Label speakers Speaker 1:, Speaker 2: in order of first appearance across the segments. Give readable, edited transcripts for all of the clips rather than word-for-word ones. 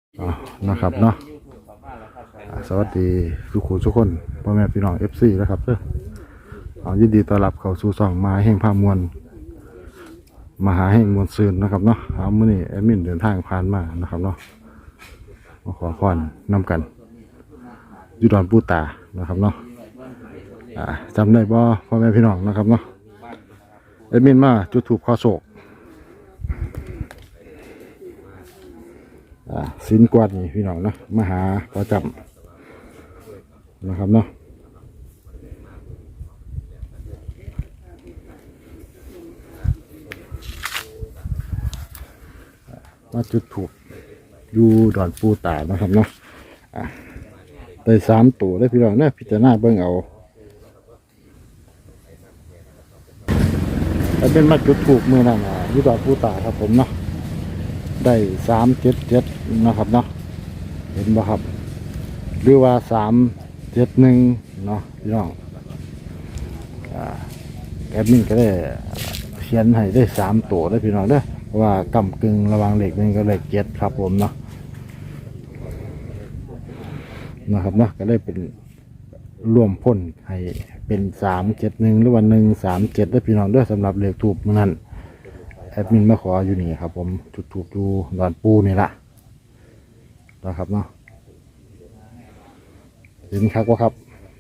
Speaker 1: นะครับเนาะสวัสดีทุกคนพ่อแม่พี่น้อง FC นะครับยินดีต้อนรับเข้าสู่ช่องมหาแห่งภาพมวลมหาแห่งมวลซืนนะครับเนาะมื้อนี้แอดมินเดินทางผ่านมานะครับเนาะมาขอพรนำกันอยู่ดอนปูตานะครับเนาะจำได้บ่พ่อแม่พี่น้องนะครับเนาะแอดมินมาจุดธูปขอโชคสินกวาดนี่พี่น้องเนาะมาหาประจำนะครับเนาะมาจุดถูกอยู่ดอนปูตานะครับเนาะได้3 ตัวได้พี่น้องเนี่ยพิจารณาเบิ่งเอาแล้วเป็นมาจุดถูกมือนั่นอยู่ดอนปูตาครับผมเนาะได้377นะครับเนาะเห็นบ่ครับหรือว่า371เนาะพี่น้องแอดมินก็ได้เขียนให้ได้3 ตัวได้พี่น้องเด้อเพราะว่ากำกึ่งระหว่างเลข1กับเลข7ครับผมเนาะนะครับเนาะก็ได้เป็นรวมพ้นให้เป็น371หรือว่า137ได้พี่น้องเด้อสำหรับเลขทูปมื้อนั้นแอดมินมาขออยู่นี่ครับผมจุดทูปอยู่ดอนปูนี่ละนะครับเนาะเห็นครับว่าครับ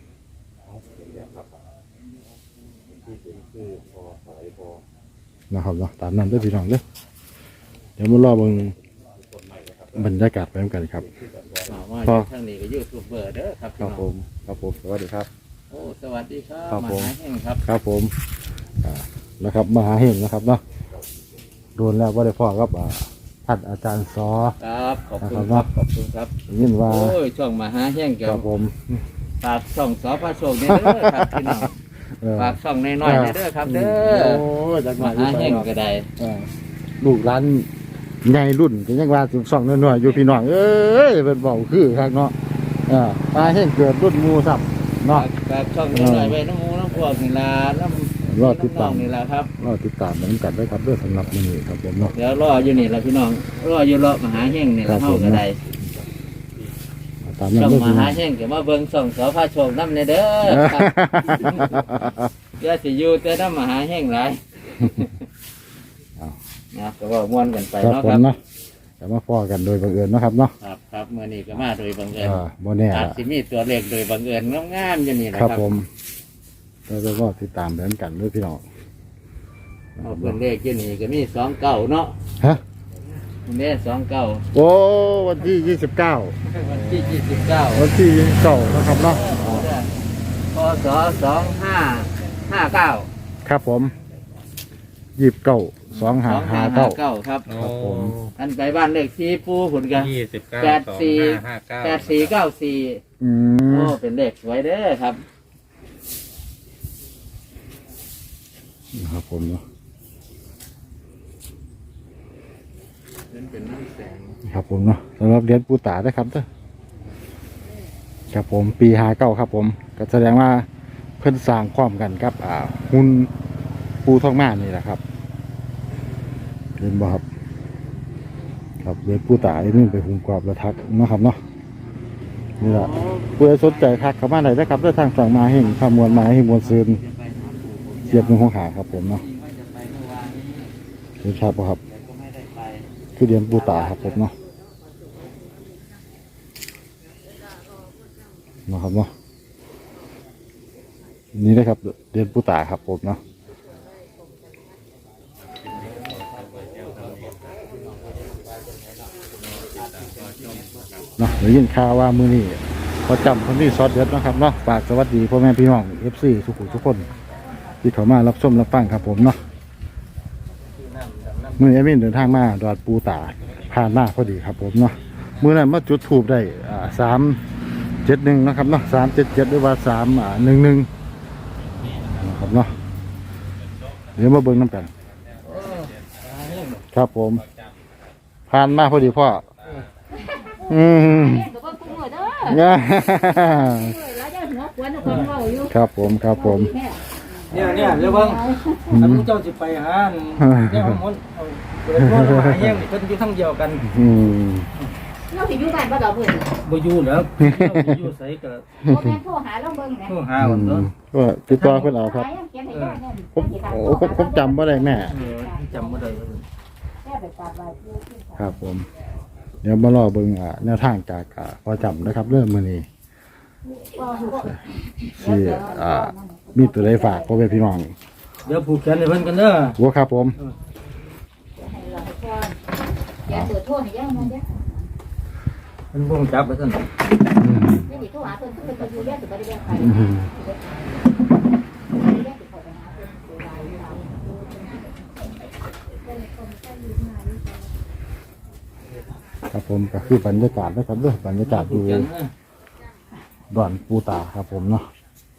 Speaker 1: นะครับเนาะตามนั้นด้วยพี่น้องเด้อเดี๋ยวมารอเบิ่งบรรยากาศไปด้วยกันครับ
Speaker 2: พอทางนี้ก็ยูทูบเบอร์เด้อครับ
Speaker 1: ครับผมสวัสดีครับ
Speaker 2: โอ้สวัสดีครับมหาแห่งครับ
Speaker 1: ครับผมนะครับมหาแห่งนะครับเนาะโดนแล้วว่าได้พ่อครับท่านอาจารย์ซอ
Speaker 2: ครับขอบคุณครับขอบคุณครับ
Speaker 1: ยินว่า
Speaker 2: โอ้ยช่องมหาแห่ง
Speaker 1: ครับผม
Speaker 2: ฝากช่องสอพระโชคเนี่ยเด้อครับพี่น้องฝากช่องน้อยๆเนี่ยเด้อครับเด้อ
Speaker 1: โอ้ม
Speaker 2: หาแห่งก็ได้
Speaker 1: ลูกร้านใหญ่รุ่นก็ยังว่าถึง2น้อยๆอยู่พี่น้องเอ้ยเป็นเบาคือครับเนาะมหาแห่งเกิดรุ่นมูสับเนาะ
Speaker 2: ฝากช่องน้อยๆไว้น้ำมูน้ำพวกนี่ล่ะ
Speaker 1: รอติดตาม
Speaker 2: นี่ล่ะครับ
Speaker 1: รอติดตามเหมือนกันได้ครับด้วยสำหรับมื้อนี้ครับผมเนาะ
Speaker 2: เดี๋ยวรออยู่นี่ล่ะพี่น้องรออยู่รอมหาแห่งนี่ล่ะเฮาก็ได้ช่องมหาแห่งก็มาเบิ่งช่องสอพระโชคนำเนี่ยเด้อครับอย่าสิอยู่แต่นำมหาแห่งหลายนะก็ว่าม่วนกันไปเนาะครับ
Speaker 1: แต่มาพ้อกันโดยบังเอิญนะครับเนาะ
Speaker 2: ครับมื้อนี้ก็มาโดยบังเอิญ
Speaker 1: บ่แน่
Speaker 2: อาจสิมีตัวเลขโดยบังเอิญงามๆอยู่นี่แหละ
Speaker 1: ครับผมแล้วก็ติดตามเหมือนกันด้วยพี่น้อง
Speaker 2: เอาเพิ่นเลขอยู่นี่ก็มี29เนาะ
Speaker 1: ฮะ
Speaker 2: แม่29
Speaker 1: โอ้วันที่29
Speaker 2: วันที่29
Speaker 1: วันที่29นะครับเนาะ
Speaker 2: พศ2559
Speaker 1: ครับผม292559
Speaker 2: ครับ
Speaker 1: ผม
Speaker 2: อันไปบ้านเลขที่ปูหุ่นกัน8494โอ้เป็นเลขสวยเด้อครับ
Speaker 1: ครับผมเนาะ
Speaker 2: เป็นน้ำแสง
Speaker 1: ครับผมเนาะสำหรับเหรียญปูตาได้ครับเด้อครับผมปี59ครับผมก็แสดงว่าเพิ่นสร้างความกันครับหุ่นปูทองม่านนี่แหละครับเห็นบ่ครับครับเหรียญปูตาไอ้นี่ไปหุ่นกรอบระทักนะครับเนาะนี่แหละผู้ใดสนใจทักเข้ามาได้ได้ครับด้วยทางฝั่งมาแห่งขมวลมาให้มวลซืนเสียบหนึ่งของขาครับผมเนาะเห็นชัดป่ะครับคือเหรียญปูตาครับผมเนาะนะครับเนาะนี่นะครับเหรียญปูตาครับผมเนาะเดี๋ยวยินข่าวว่ามือนี้ประจำคนที่ซอสเด็ดนะครับเนาะฝากสวัสดีพ่อแม่พี่น้อง FC ทุกคนที่เขามารับชมรับฟังครับผมเนาะมือแอดมินเดินทางมาดอดปูตาผ่านมาพอดีครับผมเนาะมือนั้นมาจุดทูบได้371นะครับเนาะ377หรือว่า311นะครับเนาะเดี๋ยวมาเบิ่งน้ำกันครับผมผ่านมาพอดีพ่อครับผม
Speaker 2: เนี่ยเดี๋ยวเบิ่งถ้ามึงเจ้าสิไปหาเนี่ยมันเป็นพวกมหาแห่งเพิ่นอยู่ทั้งเดียวกัน
Speaker 3: เราสิอยู่บ้านบ่ดอกเพิ่น
Speaker 2: บ่อยู่แล้วเราอยู่ไสก็
Speaker 3: บ่แม่นโทรหาเราเบิ่งแหม
Speaker 2: โทรหาวันเนาะ
Speaker 1: ก็ติดต่อเพิ่นเอาครับ
Speaker 3: หายังเขียนให้ย่าแน่
Speaker 1: ผมจำบ่ได้แม่
Speaker 2: จำบ่ได้
Speaker 3: แค่ไปกราบไหว้ปู่ที่ศาล
Speaker 1: ครับผม เดี๋ยวมารอเบิ่งแนวทางจากพอจำนะครับเรื่องมื้อนี้สิมีตัวใดฝากพ่อแม่พี่น้อง
Speaker 2: เดี๋ยวผูกแขนให้เพิ่นกันเด้อ
Speaker 1: บ่ครับผม
Speaker 3: ให้เราไปก่อนอย่าเปิดโทรให้ย่ามันเด้อ
Speaker 2: เพิ่นบ่รู้จับว่าซั่น
Speaker 1: อืม
Speaker 3: นี่สิโทรหาเพิ่นเพิ่นก็อยู่เรียนสิบ่ได้เรียนใคร
Speaker 1: อืม ครับผมก็คือบรรยากาศนะครับเด้อบรรยากาศ
Speaker 2: ผู
Speaker 1: ดู
Speaker 2: กแขนนะ
Speaker 1: ดอนปูตาครับผมเนาะ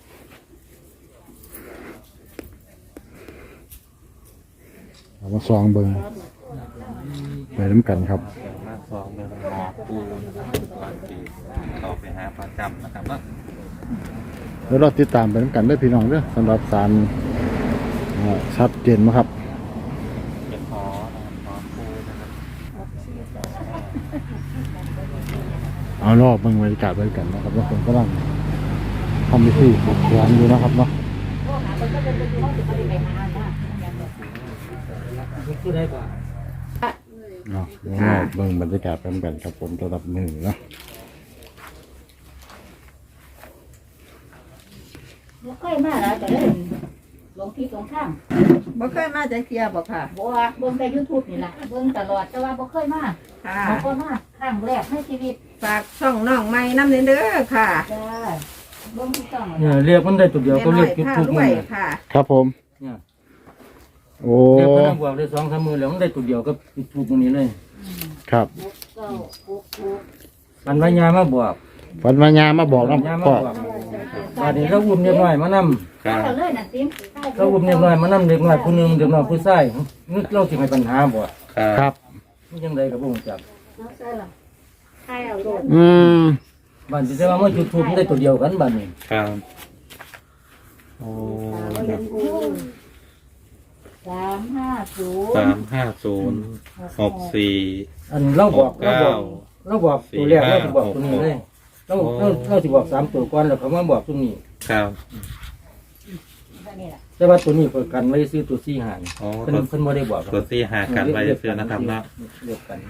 Speaker 1: เอามาซองเบิ่งไปน้ำกันครับ
Speaker 4: มาสองเดินหาปูนะครับก่อนที่เขาไปหาประจำนะครับว่า
Speaker 1: แล้วเราติดตามไปน้ำกันได้อพี่น้องเด้อสำหรับสารชัดเจนนะครับ
Speaker 4: เป็นขอนะครับขอปูนะครับ
Speaker 1: เอารอบเบิ่งบรรยากาศไปกันนะครับว่าคนกำลังทำพิธีปลุกแขนอยู่นะครับเนาะ
Speaker 3: โทรหาเพิ่นก็เป็นอยู่ว่าสิบ่ได้ไปหานะ
Speaker 2: คือได้บ่า
Speaker 1: เนาะเดี๋ยวรอบเบิ่งบรรยากาศไปน้ำกันครับผมระดับหนึ่งเนาะ
Speaker 3: บ่เคยมาแล้วแต่เล่นลงที่ตรงข้าง
Speaker 5: บ่เคยมาจักเที่ยบ่ค่ะ
Speaker 3: บ่ว่าเบิ่งแต่ YouTube นี่ล่ะเบิ่งตลอดแต่ว่าบ่เคยมา
Speaker 5: ค่ะ
Speaker 3: บ่ก็มาครั้งแรกในชีวิต
Speaker 5: ฝากช่องน้องใหม่นำเด้อค่ะ
Speaker 3: จ้าเบิ่งที่ต้อง
Speaker 2: เนี่ยเรียกมันได้ตัวเดียวก็เรียกจุด
Speaker 5: แม่
Speaker 2: ทุก
Speaker 5: น้
Speaker 2: มื้
Speaker 5: อ
Speaker 2: อย
Speaker 5: ค่ะค่ะ
Speaker 1: ครับผม
Speaker 2: เนี่ย
Speaker 1: โอ้
Speaker 2: เรียกเพิ่นบวกได้2-3มื้อแล้วมันได้ตัวเดียวก็จุดทุกมื้อนี้เลย
Speaker 1: ครับ
Speaker 2: มันว่ายามาบวก
Speaker 1: ฝันมายามาบอกน้
Speaker 2: ยา
Speaker 1: ำ
Speaker 2: มา
Speaker 1: พ่อบ
Speaker 2: วกบาดนี้เราอุ้มเรียบร้อยมานำ
Speaker 3: เอาเลยน่ะติ๊ม
Speaker 2: เราอุ้มเรียบร้อยมานำเด็กน้อยผู้หนึงเด็กน้อยผู้ชายนึกเราสิให้ปัญหาบ่
Speaker 1: ครับ
Speaker 2: มันจังไดก็บ่รู้จัก
Speaker 3: เอาใส่ล่ะใครเอาโลด
Speaker 1: อืม
Speaker 2: บ้านสิแต่ว่ามันจุดทุกมันได้ตัวเดียวกันบัดนี้
Speaker 4: ครับ
Speaker 1: โอ้
Speaker 3: 350
Speaker 4: 35064
Speaker 2: อันเราบอก
Speaker 4: 69
Speaker 2: เราบอกตัวแรกเราสิบอกตัวนี้เลยเราสิบอก3ตัวก่อนแล้วเขามาบอกตัวนี้
Speaker 4: ครับ
Speaker 3: นี่ล่ะ
Speaker 2: แต่ว่าตัวนี้เพิ่นกันไว้ซื้อตัว4หาร
Speaker 4: อ๋อ
Speaker 2: เพิ่นบ่ได้บอก
Speaker 4: ตัวที่หากันไปเสื้อนะครับเนาะ
Speaker 2: เรียกกัน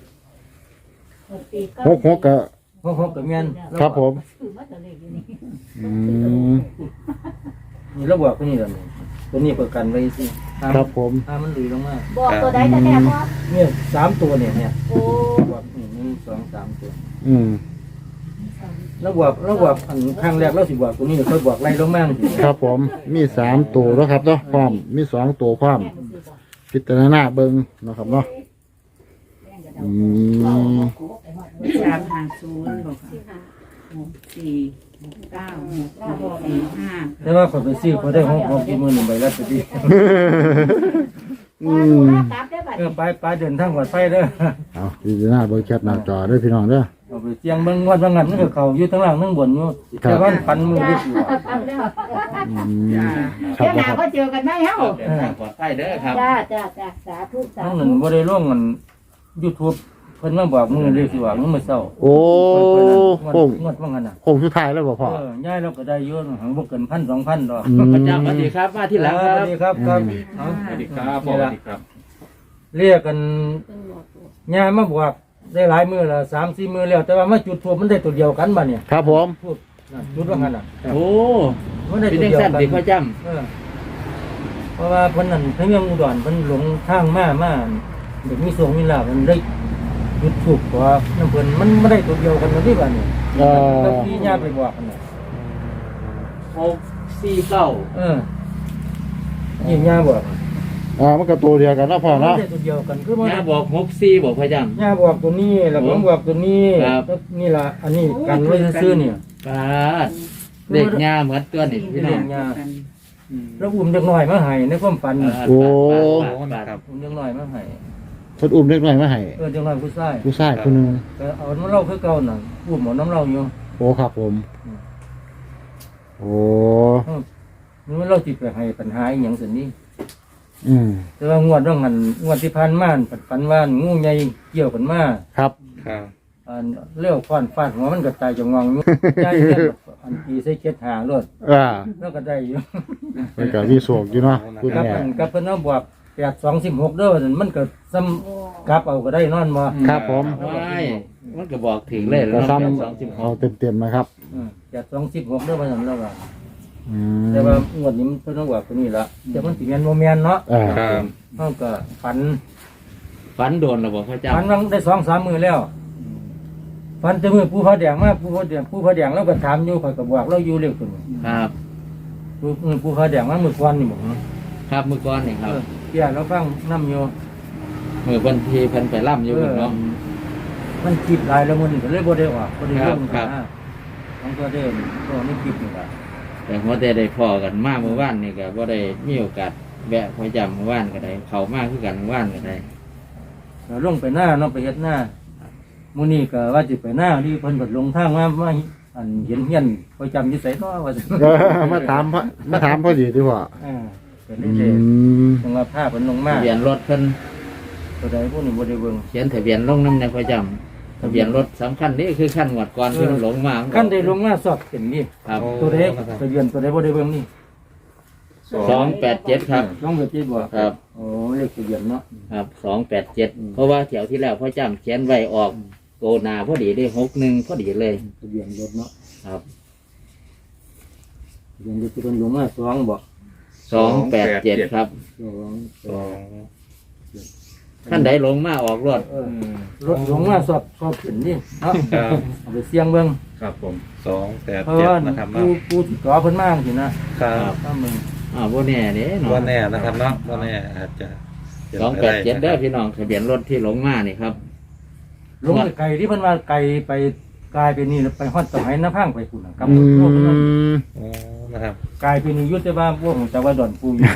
Speaker 1: หกกะ
Speaker 2: เพราะเขาก็แม่น
Speaker 1: ครับผม
Speaker 3: คือมาแต่เลขอยู่นี่
Speaker 1: อืม
Speaker 2: นี่เราบอกตัวนี้แล้วนี่ตัวนี้เพิ่นกันไว้ซื้อ
Speaker 1: ครับผม
Speaker 2: ถ้ามันหลุยลงมา
Speaker 3: บอกตัวใดแต่แน่บ่
Speaker 2: เนี่ย3ตัวเนี่ย
Speaker 3: โอ้
Speaker 2: บอกนี่1 2 3ตัว
Speaker 1: อืม
Speaker 2: เราบอกอันครั้งแรกเราสิบอกตัวนี้เขาบอกไล่ลงมาจังซี่
Speaker 1: ครับผมมี3ตัวแล้วครับเนาะพร้อมมี2ตัวพร้อมพิจารณาเบิ่งเนาะครับเนาะอืม
Speaker 5: 350บ่ค่ะ649
Speaker 2: แต่ว่าเขาไปซื้อเขาได้6กี่หมื่นใบละตัวดี
Speaker 1: อืม
Speaker 3: กลับได้บัด
Speaker 2: ไปเดินทางปลอดภัยเด้อ
Speaker 1: เอาพิจารณาเบิ่งแคปหน้าจอเด้อพี่น้องเด้อ
Speaker 2: เอาไปเสียงเบิ่งงวดบางงันมันก็เข้าอยู่ทั้งล่างทั้งบนอยู่แต่ว่าปันมือได้สิว่า
Speaker 3: กลับแล้ว
Speaker 1: อืมครั
Speaker 3: เดี๋
Speaker 1: บ
Speaker 3: ยวห
Speaker 1: บ่ครับ
Speaker 3: น้าก็เจอกันไหมเฮา
Speaker 4: เดินทางปลอดภัยเด้อครับ
Speaker 3: จ้าสาธุสา
Speaker 2: ทั้ง
Speaker 3: ธุ
Speaker 2: นั้นบ่ได้ลงกัน YouTube เพิ่นมาบอกมือเลยสิว่ามึงมาเศร้า
Speaker 1: โอ้
Speaker 2: งวด
Speaker 1: โค้ง
Speaker 2: งวดบางงันน่ะ
Speaker 1: โค้งสุดท้ายแล้วบ่พ่อ
Speaker 2: ย้ายเราก็ได้เยอะหังบ่เกิน1,000 2,000ดอก
Speaker 1: อืม
Speaker 4: พระเจ้าสวัสดีครับมาที่หลัง
Speaker 2: ส
Speaker 4: ครั
Speaker 2: วั
Speaker 4: บ
Speaker 2: สดีครับครับเอา
Speaker 4: สวัสดีครับสวัสดีครับ
Speaker 2: เรียกกันย่ามาบอกได้หลายมื้อละ3-4มื้อแล้วแต่ว่ามาจุดทูบมันได้ตัวเดียวกันบัดเนี่ย
Speaker 1: ครับผม
Speaker 2: ทูบจุดว่างั้นน่ะ
Speaker 4: โอ้
Speaker 2: มันได้
Speaker 4: เป็น
Speaker 2: ตัว
Speaker 4: จัง
Speaker 2: เดียว
Speaker 4: สั้น
Speaker 2: กัน
Speaker 4: ติพ่อจ
Speaker 2: เออเพราะว่าเพิ่นนั่นเพิ่นยังอุดรเพิ่นหลงทางมาเด็กมีสวงมีลาภมันได้จุดทูบกว่าน้ำเพิ่นมันไม่ได้ตัวเดียวกันนะที่บัดเนี่ย
Speaker 1: เออ
Speaker 2: แล้วพี่ย่าไปบอกกันน่ะ
Speaker 4: 649
Speaker 2: เออนี่ย่าบอก
Speaker 1: มันก็ตัวเดียวกันเนาะพ่อ
Speaker 2: มัน
Speaker 1: เนาะ
Speaker 2: ได้ตัวเดียวกันคือมัน
Speaker 4: ย่าบอก64บอกพ่อจ
Speaker 2: ย่าบอกตัวนี้แล้วผมบอกตัวนี้
Speaker 4: ครับ
Speaker 2: แล้วนี่ล่ะอันนี้กันไว้ซื่อๆเนี่ย
Speaker 4: ำปาดเด็กย่าเหมือนตัวนี่พี่น้
Speaker 2: เลี้
Speaker 4: อย ง
Speaker 2: งย่าแล้วอุ้มเด็กน้อยมาให้ในความฝัน
Speaker 1: โอ้
Speaker 4: ครับ
Speaker 2: อุ้มเด็กน้อยมาให้
Speaker 1: เพิ่นอุ้มเล็กน้อยมาให้
Speaker 2: เด็กน้อยผู้ชาย
Speaker 1: ผู้ชายคนหนึง
Speaker 2: แต่เอาน้ำเหล้าคือเก่าน่ะอุ้มเอาน้ำเหล้าอยู่
Speaker 1: โอ้ครับผม โอ้
Speaker 2: มันเราจิตไปให้ปัญหาอหย่างสินี้
Speaker 1: อืม
Speaker 2: แต่ว่างวดต้องหันงวดที่ผ่านมาฝันว่างูใหญ่เกี่ยวกันมา
Speaker 1: ครับ
Speaker 4: ครับ
Speaker 2: อันเลี้ยวฟันฟาดหัวมันก็ตายจะงองอยู่ใจเย็นอันตีใส่เจ็ดหารถ แล้วก็ได้อยู่
Speaker 1: มันก็มีโศกอยู่เนาะคุณ
Speaker 2: กับ
Speaker 1: แม่
Speaker 2: อันกับเพิ่นเอาบวก8 2 16เด้อนั่นมันก็ซ้ำกลับเอาก็ได้นอนบ่
Speaker 1: ครับผม
Speaker 4: ไม่มันก็บอกถึงเลย
Speaker 1: ก็
Speaker 4: แล้ว
Speaker 1: ซ้ำ
Speaker 4: 26
Speaker 1: เอาเต็มๆนะครับ
Speaker 2: 8 2 16เด้อว่าซั่นแล้วว่า
Speaker 1: อืม
Speaker 2: แต่ว่างวดนี้มันเพิ่นเอาบวกตัวนี้ละแต่มันสิแม่นบ่แม่นเนาะ
Speaker 4: ครับ
Speaker 2: เฮาก็ฝัน
Speaker 4: ฝันโดนหรือบอกพระเจ้า
Speaker 2: ฝันวังได้2-3มื้อแล้วฝันแต่มื้อผู้พระแดงมาผู้พระแดงเราก็ถามอยู่ข่อยก็บอกเราอยู่เร็วขึ้น
Speaker 4: ครับ
Speaker 2: ผู้พระแดงมามื้อก่อนนี่บ่
Speaker 4: ครับมือก้อนนี่ครับ
Speaker 2: เที่ยเราฟังนํอยู่
Speaker 4: มือเพิ่นทีเพิ่นไปล่ำอยู่เนาะ
Speaker 2: มันคิดหลายแล้วมื้อนี้ก็เลยบ่ได้ว่าบ่ได้ลง
Speaker 4: ครับ
Speaker 2: มันก็ได้ก็ไม่คิดนี่ล่ะ
Speaker 4: แต่หัวแต่ได้พอกันมากเมื่อวานนี่ก็บ่ได้มีโอกาสแวะพระจำเมื่อวานก็ได้เข้ามากคือกันเมื่อวานก็ได้
Speaker 2: ก็ลงไปหน้าเนาะไปเฮ็ดหน้ามื้อนี้ก็ว่าสิไปหน้าที่เพิ่นก็ลงทางมาอันเห็นเฮียนประจำอยู่ไสเนาะว่าซั่น
Speaker 1: มาถามพอดีดีกว่า
Speaker 2: ก็
Speaker 1: อื
Speaker 2: ได้เลย
Speaker 1: ม
Speaker 2: จังว่าพาเพิ่นลงมา
Speaker 4: ทะเบียนรถเพิ่น
Speaker 2: ตัวใดพวกนี้บ่ได้เบิ่ง
Speaker 4: เขียนทะเบียนลงน้ำในพระจำทะเบียนรถสำคัญนี่คือขั้นหวดก่อนที่มันหลงมา
Speaker 2: คันได้ลงมาสอบเป็นนี่
Speaker 4: ครับ
Speaker 2: ตัวใดทะเบียนตัวใดบ่ได้เบิ่งนี่
Speaker 4: 287ครับ
Speaker 2: ลองเบิ่งจิบ่
Speaker 4: ครับ
Speaker 2: โอ้เลขทะเบียนเนาะ
Speaker 4: ครับ287เพราะว่าแถวที่แล้วพระจำเขียนไว้ออกโกนาพอดีได้61พอดีเลย
Speaker 2: ทะเบียนรถเนาะ
Speaker 4: ครับ
Speaker 2: ทะเบียนรถที่เพิ่นลงมา2บ่
Speaker 4: 287ครับ
Speaker 2: 2
Speaker 4: ขั้นใดลงมาออกรถ
Speaker 2: รถลงมาสอบเป็นนี่เนาะ
Speaker 6: ครับ
Speaker 2: เอาไปเสี่ยงเบิ่ง
Speaker 6: ครับผม
Speaker 2: เพราะ
Speaker 6: 287
Speaker 2: ว่า
Speaker 6: นะครับ
Speaker 2: ผู้
Speaker 6: เนาะ
Speaker 2: ผู้ที่ก่อเพิ่นมาจังซี่นะครับ ถ้ามึง
Speaker 4: บ่แน่เด้เนาะ
Speaker 6: ว่าแน่นะครับเนาะว่าแน่อาจจะ
Speaker 4: 287เด้อพี่น้องทะเบียนรถที่หลงมานี่ครับ
Speaker 2: ลงไปไกลที่เพิ่นว่าไกลไปกลายไปนี่แล้วไปฮอดสมัยน้าพังไปพุ่นน่ะกับ
Speaker 1: อื
Speaker 2: พวกนั้น
Speaker 1: ม
Speaker 6: อ๋อนะครับ
Speaker 2: กลายไปนี่อยู่แต่ว่าพวกของแต่ว่าดอนปูอยู่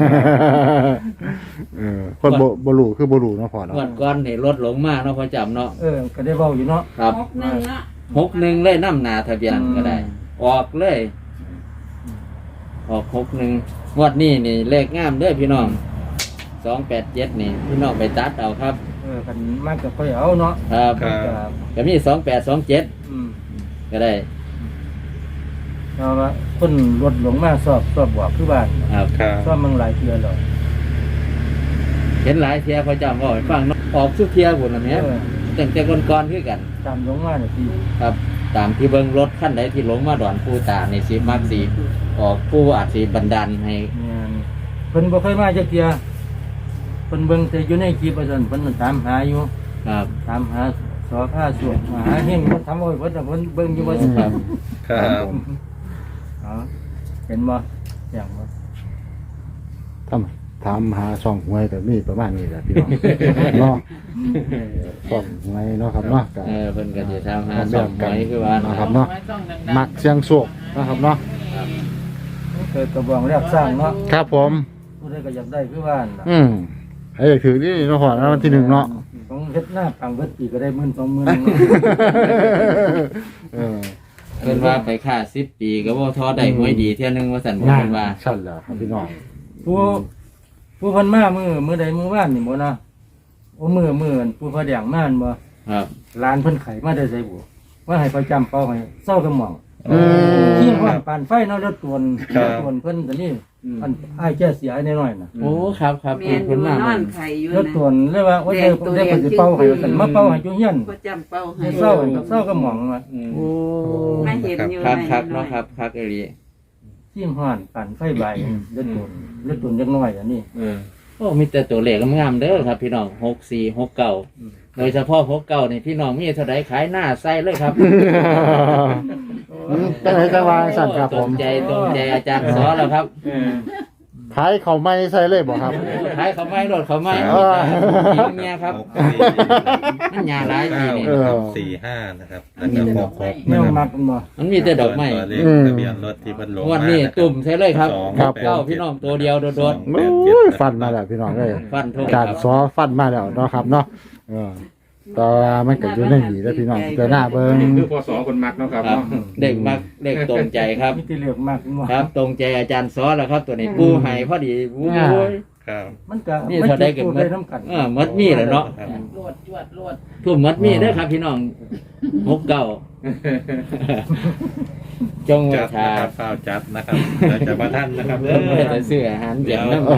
Speaker 1: คนบ่รู้คือบ่รู้เนาะพ่อเนาะ
Speaker 4: งวดก่อนนี่รถหลงมาเนาะพอจำเนาะ
Speaker 2: ก็ได้เว้าอยู่เนาะ
Speaker 4: ครับ
Speaker 5: 61เนาะ
Speaker 4: 61เลยน้ำหนาทะเบียนก็ได้ ออกเลย ออก61งวดนี้นี่เลขงามเด้อพี่น้อง287นี่พี่น้องไปตัดเอาครับ
Speaker 2: กันมากก็ค่อยเอาเนาะ
Speaker 4: ครับ
Speaker 6: ครับ
Speaker 4: ก็มี2827
Speaker 2: อืม
Speaker 4: ก็ได้
Speaker 2: เพราะว่าคนรถหลงมาสอบบอกคือบ้าน
Speaker 4: ครับ
Speaker 6: ครับ
Speaker 2: สอบมันหลายเทื่อแล้ว
Speaker 4: เห็นหลายเทียพอจำว่าให้ฟังเนาะออกสุเทียบุญละแม่ตั้งแต่ก่อนๆคือกัน
Speaker 2: ตามหลงมาเนี่ยพี่
Speaker 4: ครับ ตามที่เบิ่งรถคันใดที่หลงมาดอนผู้ตาในสิมักสีออกผู้อาจสิบันดาลให้
Speaker 2: เนี่ยเพิ่นบ่เคยมาจักเทื่อเพิ่นเบิ่งแต่อยู่ในคลิปว่าซั่นเพิ่นตามหาอยู่
Speaker 4: ครับ
Speaker 2: ตามหาสอผ้าสวดหาเฮงมันทำเอาไว้เพิ่นน่ะเพิ่นเบิ่งอยู่ว่าซั่น
Speaker 4: ครับ
Speaker 6: ครับ
Speaker 2: อ๋อเห็นบ่อย่างบ่
Speaker 1: ถามหาช่องหวยก็มีประมาณนี้แหละพี่น้องเนาะช่องหวยเนาะครับเนาะก็
Speaker 4: เพิ่นก็สิทำหาสองหวยคือว่า
Speaker 1: เนาะ
Speaker 4: นะ
Speaker 1: ค
Speaker 4: ค
Speaker 1: รั
Speaker 4: รั
Speaker 1: บบ เนาะมักเสียงโชคนะครับเนาะ
Speaker 2: เคยกระบองแรกสร้างเนาะ
Speaker 1: ครับผม
Speaker 2: ผู้ใดก็อยากได้คือว่าน่ะ
Speaker 1: ให้ถือนี่เนาะพ่อนะวันที่1เนาะ
Speaker 2: ของเฮ็ดหน้าปังเบิดปีก็ได้10,000 20,000
Speaker 1: เออ
Speaker 4: เพิ่นว่าไปค่า10 ปีก็บ่ท้อได้หวยดีเที่ยนึงว่าซั่นเพิ่นว่า
Speaker 1: สั่นแหละครับพี่น้อง
Speaker 2: ผู้เพิ่นมามื้อใดมื้อวานนี่บ่นะโอ้มื้อผู้พระแดงมาบ่
Speaker 4: ครับ
Speaker 2: ร้านเพิ่นไขมาได้ไสบ่ว่าให้ประจำเป้าให้เศร้ากระหม่อม
Speaker 1: อืม
Speaker 2: ขี้ฮ้อนปานไฟเนาะรถตวนเพิ่นก็นี่อันอ้ายแก้เสียน้อยๆน่ะ
Speaker 4: โอ้ครับครับ
Speaker 5: แม่นอยู่
Speaker 4: เพิ่นมาน
Speaker 5: อนไข่อยู่
Speaker 2: รถตว
Speaker 5: นะ
Speaker 2: นเลยว่าโอ้ยได้เพิ่นสิเป่าให้กันมาเป่าให้อยู่เฮียน
Speaker 5: ก็จำเป้าให้
Speaker 2: ให้เศร้ากระหม่อมว่า
Speaker 4: โอ้
Speaker 5: ไม่เห็นอยู่
Speaker 4: ครับ
Speaker 5: ไหน
Speaker 4: ครับ
Speaker 5: หน่อ
Speaker 4: เนาะ
Speaker 5: ย
Speaker 4: ครับครับเอรี
Speaker 2: ขี้ฮ้อนปานไฟใบรถตวนจักหน่อยอันนี้
Speaker 4: โอ้มีแต่ตัวเลขงามๆเด้อครับ พี่น้อง64 69โดยเฉพาะ69นี่พี่น้องมีเท่าใดขายหน้าใส่เลยครับ
Speaker 1: เป็นไงจังว่าสั่นครับ
Speaker 4: ต
Speaker 1: ผ
Speaker 4: ร
Speaker 1: ม
Speaker 4: งใจอาจารย์สอนแล้วครับ
Speaker 1: ขายเขาไม่ใส่เลยบ่ครับ
Speaker 4: ขายเขาไม่รถเขาไม่
Speaker 1: เออ
Speaker 4: เนี่ยครับ
Speaker 6: 6
Speaker 4: มันยาหลายทีนี่
Speaker 6: 4 นะครับ4 5นะครับแล้วก็6
Speaker 2: แน
Speaker 6: นะ
Speaker 2: ว
Speaker 6: ครับ
Speaker 2: มักมันบ่
Speaker 4: มันมีแต่ดอกไม้
Speaker 6: ตัวเลขทะเบียนรถที่เพิ่นลง
Speaker 4: งวัน
Speaker 6: มา
Speaker 4: นี้
Speaker 6: นะครับ
Speaker 4: ตุ่มใช่เลยครับ
Speaker 1: ครับ
Speaker 4: เก้าพี่น้องตัวเดียวโดด
Speaker 1: โอ้ยฟันมาแล้วพี่น้องเลย
Speaker 4: ๆฟันทุก
Speaker 1: การ
Speaker 4: ครับ
Speaker 1: ซอฟันมาแล้วเนาะครับเนาะแต่ว่ามันก็อยู่ในหีแล้วพี่น้องแต่หน้าเบิ่ง
Speaker 6: คือพศคนมักเนาะครับ
Speaker 4: ครับ เด็กมักเด็กตรงใจครับ
Speaker 2: มีแต่เลือกมักมันบ่
Speaker 4: ครับ ตรงใจอาจารย์สอนแล้วครับ ตัวนี้ปูไห้พอดีโอ้ย
Speaker 6: ครับ
Speaker 2: มันก็
Speaker 4: นี่เท่าใดก็
Speaker 2: มั
Speaker 4: มั
Speaker 2: ได้
Speaker 4: ด
Speaker 2: น้ำกัน
Speaker 4: มัดมีแหละเนาะ
Speaker 6: ครับ
Speaker 5: โลดจวดโลด
Speaker 4: ทุ่มมัดมีเด้อครับพี่น้อง69จง
Speaker 6: จัด
Speaker 4: ชา
Speaker 6: นะครับเฝ้าจัดนะครับแล้วจะมาท่านนะครับ
Speaker 4: เพื่อจะซื้ออาหารเย็นน้ำ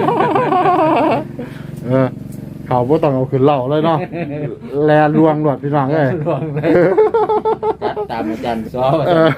Speaker 1: เขาบ่ต้องเอาขึ้นเหล่าเลยเนาะแลลวงหลวดพี่น้องเอ้ย
Speaker 4: รวงเลยจัดตามอาจารย์ซ้อ
Speaker 1: เออ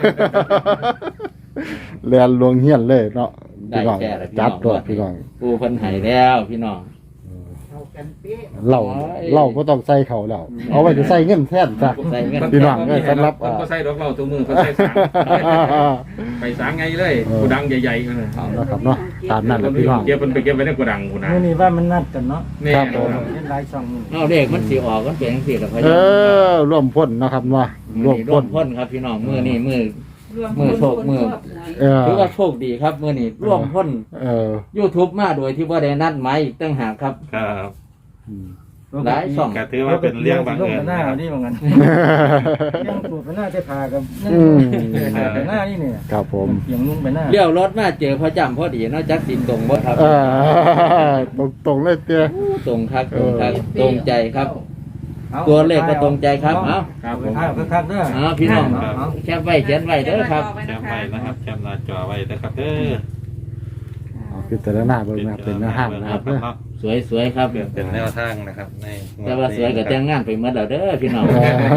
Speaker 1: แลลวงเฮียนเลยเนาะ
Speaker 4: ได้
Speaker 1: พี่น้อง
Speaker 4: แค่ละพี่น้อง
Speaker 1: จัดหลวดพี่น้อง
Speaker 4: ปูเพิ่นให้แล้วพี่น้อง
Speaker 5: เข้ากันเป๊ะ
Speaker 1: เหล่าบ่ต้องใส่เขาแล้วเอาไว้จะใส่เงินแทนจ้ะ
Speaker 4: ใส่เงิน
Speaker 1: พี่น้องเอ้ยสำหรับ
Speaker 6: มันก็ใส่ดอกเหล้าตัวมือเขาใส่สางไปสางไงเลยกูดังใหญ่ๆกันเลย
Speaker 1: เอาละครับเนาะตามนั้นแหละพี่น้อง
Speaker 6: เก็บมันไปเก็บไว้ในกูดังกูนะ
Speaker 2: มื้อนี้ว่ามันนัดกันเนาะ
Speaker 6: นี่
Speaker 1: ครับผม
Speaker 2: เฮ็ดหลายช่องมื้อนี้
Speaker 4: เอาเลขมันสิออกมันเป็นจังซี่ล่ะพ่อ
Speaker 1: เอ
Speaker 4: ใหญ่
Speaker 1: อร่วมพ่นเนาะครับว่าร่วม
Speaker 4: ร่ว
Speaker 1: พ่
Speaker 4: ม
Speaker 1: น
Speaker 4: พ้นครับพี่น้องมื้อนี้มื้อ
Speaker 5: รวม
Speaker 4: มือโชคมือ
Speaker 1: เออ
Speaker 4: ถือว่าโชคดีครับมื้อนี้ร่วมพ้น
Speaker 1: เออ
Speaker 4: YouTube มาโดยที่บ่ได้นัดหมายอีกต่างหากครับ
Speaker 6: ครับ
Speaker 4: หลายช่อง
Speaker 6: ก็ถือว่าเป็นเรื่องบังเอิญ
Speaker 2: หน้า
Speaker 6: นะครับ
Speaker 2: นี่ว่างั้นเรื่องตูดไปหน้าจะพากับนั่น
Speaker 1: อืม
Speaker 2: ไปหน้านี่เนี่ย
Speaker 1: ครับผม
Speaker 2: เสียงนุ่งไปหน้า
Speaker 4: เลี้ยวรถมาเจอพ่อจำพอดีเนาะจักสิตรงบ่ครับ
Speaker 1: เออตรงๆเลยเตี้ย
Speaker 4: ตรงครับตรงครับตรงใจครับ
Speaker 2: อา
Speaker 4: ตัวเลขก็ตรงใจครับเอ้า
Speaker 6: ครับผม
Speaker 2: ข้าวคักๆเด้อ
Speaker 4: เอาพี่น้องแคปไว้เขียนไว้เด้อครับ
Speaker 6: แคมไว้นะครับแคมหน้าจอไว้นะครับเด้อ
Speaker 1: เอาพิจารณาเบิ่งนะครับเป็นอาหารนะครับเด้อ
Speaker 4: สวยๆครับ
Speaker 6: เป็นแนวทางนะครับใน
Speaker 4: แต่ว่าสวยก็แต่งงานไปหมดแล้วเด้อพี่น้อง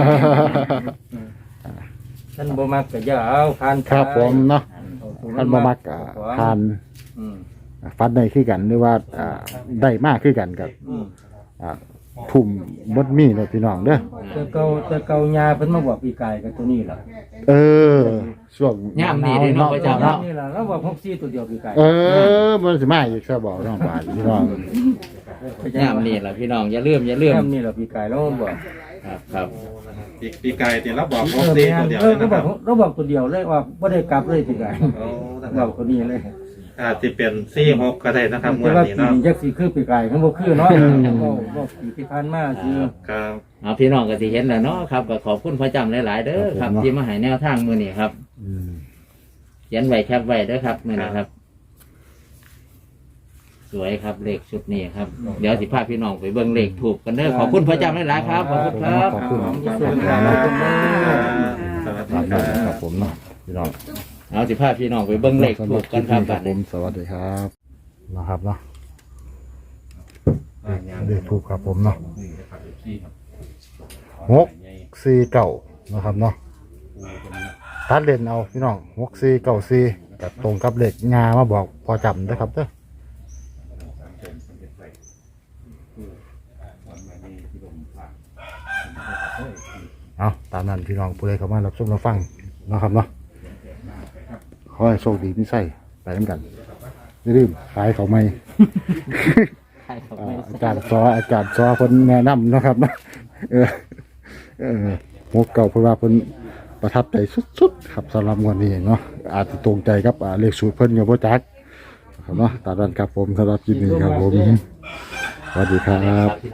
Speaker 2: ท่านบ่มักก็อย่าเอาผ่าน
Speaker 1: ครับผมเนาะท่านบ่มักทาน
Speaker 2: อืม
Speaker 1: ฟันได้คือกันหรือว่าได้มากคือกันกับ
Speaker 2: อืม
Speaker 1: อ่าทุ่มบดมีเนาะพี่น้องเด้อ
Speaker 2: แต่เก่ายาเพิ่นมาบอกปีกายกับตัวนี้ล่ะ
Speaker 1: เออช่วง
Speaker 4: ย่ามนี่เด้เนาะพระเจ้าเนาะ
Speaker 2: นี่ล่ะแล้วบอก64ตัวเดียวปีกาย
Speaker 1: เออมันสิมาอีกซะบอกน้องบาดพี่น้อง
Speaker 4: ย่ามนี่ล่ะพี่น้องอย่าลืม
Speaker 2: เรื่องนี่ล่ะปีกายแล้วบอก
Speaker 4: ครับ
Speaker 6: ปีกายเนี่ยเราบอกพกซีตัวเดียวเลย
Speaker 2: ก็
Speaker 6: นะ
Speaker 2: บ
Speaker 6: ค
Speaker 2: อ
Speaker 6: รั
Speaker 2: ก
Speaker 6: บ
Speaker 2: เราบอกตัวเดียวเลยว่าบ่ได้กลับเลยปีกาย
Speaker 6: โอ้นะค
Speaker 2: บ
Speaker 6: รั
Speaker 2: อบ กตัวนี้เลย
Speaker 6: อาจจะเป็น46ก็ได้นะครับ
Speaker 2: แต่
Speaker 6: วัน
Speaker 2: ว่า
Speaker 6: นี้
Speaker 2: ปี
Speaker 6: เนาะ
Speaker 2: นี้จักสิคือปีกายเขาบ่คือเนาะบอกปีที่ผ่านมาคือ
Speaker 6: ครับ
Speaker 4: เอาพี่น้องก็สิเห็นแล้วเนาะครับก็ขอบคุณพ่อจำหลายๆเด้อครับที่มาให้แนวทางมื้อนี้ครับ
Speaker 1: อืม
Speaker 4: เขียนไว้แคปไว้เด้อครับมื้อนี้ครับ สวยครับเลขชุดนี้ครับเดี๋ยวสิพาพี่น้องไปเบิ่งเลขถูกกันเด้อขอบคุณพ่อจำหลายๆครับขอบคุณครับ
Speaker 1: ขอบคุณ
Speaker 2: ส่วนการขอบคุณมาก
Speaker 6: สวัส
Speaker 1: ตา
Speaker 6: ดี
Speaker 1: ม
Speaker 6: ค
Speaker 1: นั้น
Speaker 6: รั
Speaker 1: ครับ บผมเนาะพี่น้อง
Speaker 4: เอาสิพาพี่น้องไปเบิ่งเลขถูกกันครับ
Speaker 1: ค
Speaker 4: บั
Speaker 1: รั
Speaker 4: ด
Speaker 1: บผ
Speaker 4: นี้
Speaker 1: มสวัสดีครับนะครับเนาะเลขถูกครับผมเนาะ649นะครับเนาะตัดเล่นเอาพี่น้อง6494กับตรงกับเลขงามาบอกพอจำนะครับเด้อเอาตามนั้นพี่น้องผู้ใดเข้ามารับชมรับฟังนะครับเนาะขอให้โชคดีมีไส้ไปน้ำกันอย่าลืมขายเขาไม่ อาจารย์ซอเพิ่นแนะนำเนาะครับเนาะหกเก่าเพราะว่าเพิ่นประทับใจสุดๆครับสำหรับงวดนี้เนาะอาจจะตรงใจกับเลขสูตรเพิ่นอยู่บ่จักครับเนาะตามนั้นครับผมสำหรับคลิปนี้ครับผมสวัสดีครับ